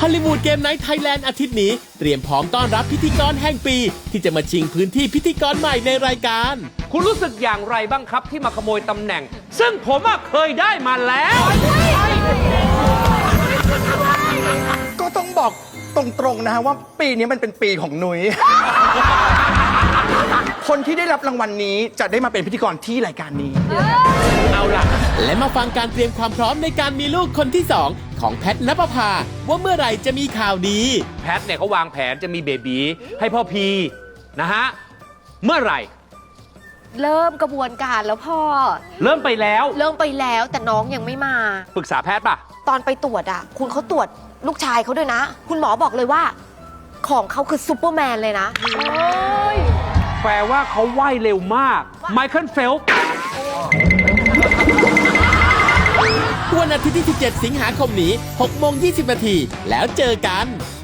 ฮอลลีวูดเกมไนท์ไทยแลนด์อาทิตย์นี้เตรียมพร้อมต้อนรับพิธีกรแห่งปี ที่จะมาชิงพื้นที่พิธีกรใหม่ในรายการคุณรู้สึกอย่างไรบ้างครับที่มาขโมยตำแหน่ง ซึ่งผมเคยได้มาแล้วก็ต้องบอกตรงๆนะฮะว่าปีนี้มันเป็นปีของนุ้ย คนที่ได้รับรางวัลนี้จะได้มาเป็นพิธีกรที่รายการนี้เอาล่ะและมาฟังการเตรียมความพร้อมในการมีลูกคนที่ 2 ของแพทณปภาว่าเมื่อไหร่จะมีข่าวดีแพทเนี่ยเขาวางแผนจะมีเบบีให้พ่อพีนะฮะ เมื่อไหร่เริ่มกระบวนการแล้วพ่อเริ่มไปแล้วเริ่มไปแล้วแต่น้องยังไม่มาปรึกษาแพทย์ป่ะตอนไปตรวจอ่ะ คุณเขาตรวจลูกชายเขาด้วยนะ คุณหมอบอกเลยว่า ของเขาคือซูเปอร์แมนเลยนะแปลว่าเขาว่ายเร็วมากไมเคิลเฟลป์วันอาทิตย์ที่ 17 สิงหาคมนี้ 6:20 น. แล้วเจอกัน